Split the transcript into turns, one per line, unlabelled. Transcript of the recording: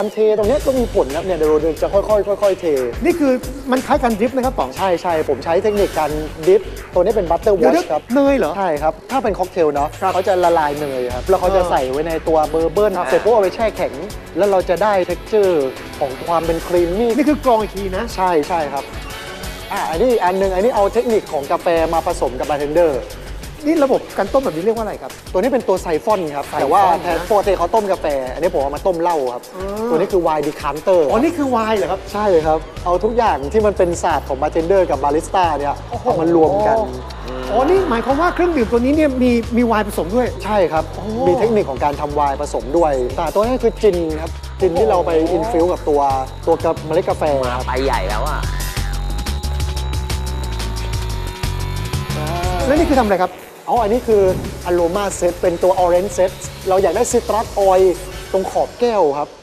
การเทตรงนี้ก็มีผลครับเนี่ยเดี๋ยวเราจะค่อยๆเท
นี่คือมันคล้ายกันดริฟต์ไหมครับป๋อง
ใช่ผมใช้เทคนิคการดิฟตัวนี้เป็นบัตเตอร์วอชครับ
เนยเหรอ
ใช่ครับถ้าเป็นค็อกเทลเนาะเขาจะละลายเนยครับแล้วเขาจะใส่ไว้ในตัวเบอร์เบิร์นเสร็จปุ๊บเอาไปแช่แข็งแล้วเราจะได้เท็กเจอร์ของความเป็นครีมมี่
นี่คือกรองอีกทีนะ
ใช่ครับอันนี้อันนึงอันนี้เอาเทคนิคของกาแฟมาผสมกับบาร์เทนเดอร์
นี่ระบบการต้มแบบนี้เรียกว่าอะไรครับ
ตัวนี้เป็นตัวไซฟอนครับแต่ว่าแทนโปรเทเขาต้มกาแฟอันนี้ผมเอามาต้มเหล้าครับตัวนี้คือไวน์ดีคันเตอร์
อ๋อนี่คือไวน์เหรอครับ
ใช่ครับเอาทุกอย่างที่มันเป็นศาสตร์ของบาร์เทนเดอร์กับบาริสต้าเนี่ยเอามารวมกัน
อ๋อนี่หมายความว่าเครื่องดื่มตัวนี้เนี่ยมีไวน์ผสมด้วย
ใช่ครับมีเทคนิคของการทำไวน์ผสมด้วยแต่ตัวนี้คือจินครับจินที่เราไปอินฟิวกับตัวเมล็ดกาแฟ
มาไปใหญ่แล้วอ่ะ
แล้วนี่คือทำอะไรครับ
อันนี้คืออโรมาเซตเป็นตัวออเรนจ์เซตเราอยากได้ซิตรัสออยล์ตรงขอบแก้วครับ